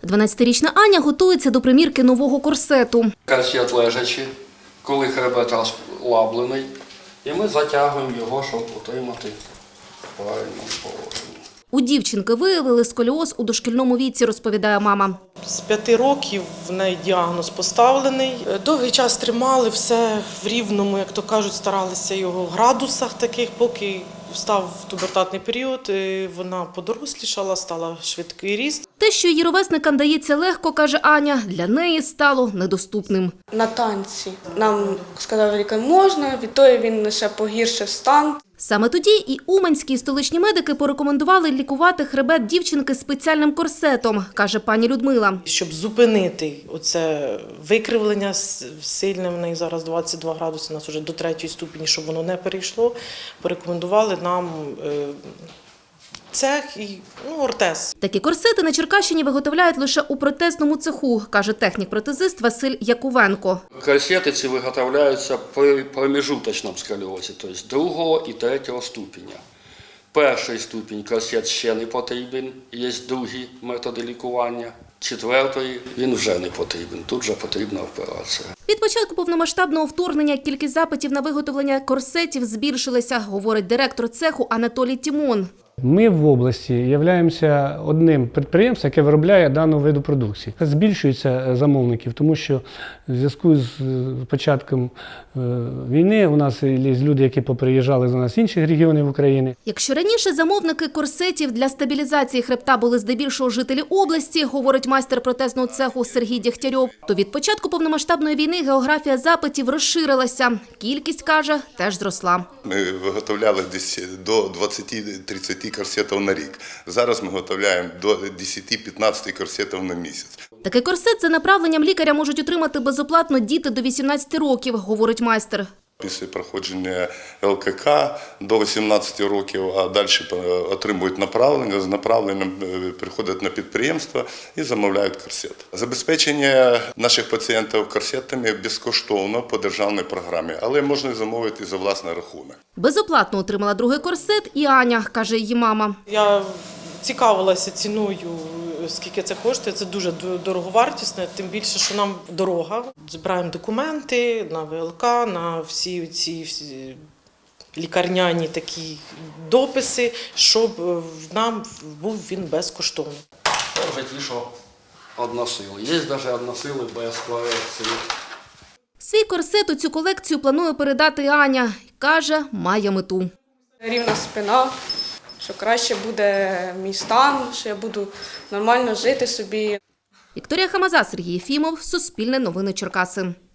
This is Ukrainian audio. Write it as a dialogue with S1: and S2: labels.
S1: 12-річна Аня готується до примірки нового корсету.
S2: Корсет лежачи, коли хребет розслаблений, і ми затягуємо його, щоб утримати в правильному положенні.
S1: У дівчинки виявили сколіоз у дошкільному віці, розповідає мама.
S3: З 5 років в неї діагноз поставлений. Довгий час тримали все в рівному, як то кажуть, старалися його в градусах таких, поки встав пубертатний період, вона подорослішала, стала швидкий ріст.
S1: Те, що її ровесникам дається легко, каже Аня, для неї стало недоступним.
S4: На танці нам сказав лікар можна, відтоді він лише погіршив стан.
S1: Саме тоді і уманські і столичні медики порекомендували лікувати хребет дівчинки спеціальним корсетом, каже пані Людмила.
S3: Щоб зупинити оце викривлення сильне, в неї зараз 22 градуси, у нас вже до 3-ї ступені, щоб воно не перейшло, порекомендували нам цех і ортез.
S1: Такі корсети на Черкащині виготовляють лише у протезному цеху, каже технік-протезист Василь Якувенко.
S2: Корсети ці виготовляються при промежуточному сколіозі, тобто 2-го і 3-го ступеня. Перший ступінь корсет ще не потрібен, є другі методи лікування. 4-й він вже не потрібен, тут вже потрібна операція.
S1: Від початку повномасштабного вторгнення кількість запитів на виготовлення корсетів збільшилася, говорить директор цеху Анатолій Тімон.
S5: Ми в області являємося одним підприємством, яке виробляє дану виду продукції. Збільшується замовників, тому що в зв'язку з початком війни у нас є люди, які поприїжджали до нас з інших регіонів України.
S1: Якщо раніше замовники корсетів для стабілізації хребта були здебільшого жителі області, говорить майстер протезного цеху Сергій Дєгтярьов, то від початку повномасштабної війни географія запитів розширилася. Кількість, каже, теж зросла.
S6: Ми виготовляли десь до 20-30 корсетів на рік. Зараз ми виготовляємо до 10-15 корсетів на місяць.
S1: Такий корсет за направленням лікаря можуть отримати безоплатно діти до 18 років, говорить майстер.
S6: Після проходження ЛКК до 18 років, а далі отримують направлення, з направленням приходять на підприємство і замовляють корсет. Забезпечення наших пацієнтів корсетами безкоштовно по державній програмі, але можна замовити за власний рахунок.
S1: Безоплатно отримала другий корсет і Аня, каже її мама.
S3: Я цікавилася ціною, скільки це коштує, це дуже дороговартісне, тим більше, що нам дорога. Збираємо документи на ВЛК, на всі ці лікарняні такі дописи, щоб нам був він безкоштовний.
S2: Це вже ті, що односили. Є навіть односили без корекції.
S1: Свій корсет у цю колекцію планує передати і Аня. Каже, має мету.
S4: Рівна спина, що краще буде мій стан, що я буду нормально жити собі.
S1: Вікторія Хамаза, Сергій Єфімов, Суспільне новини Черкаси.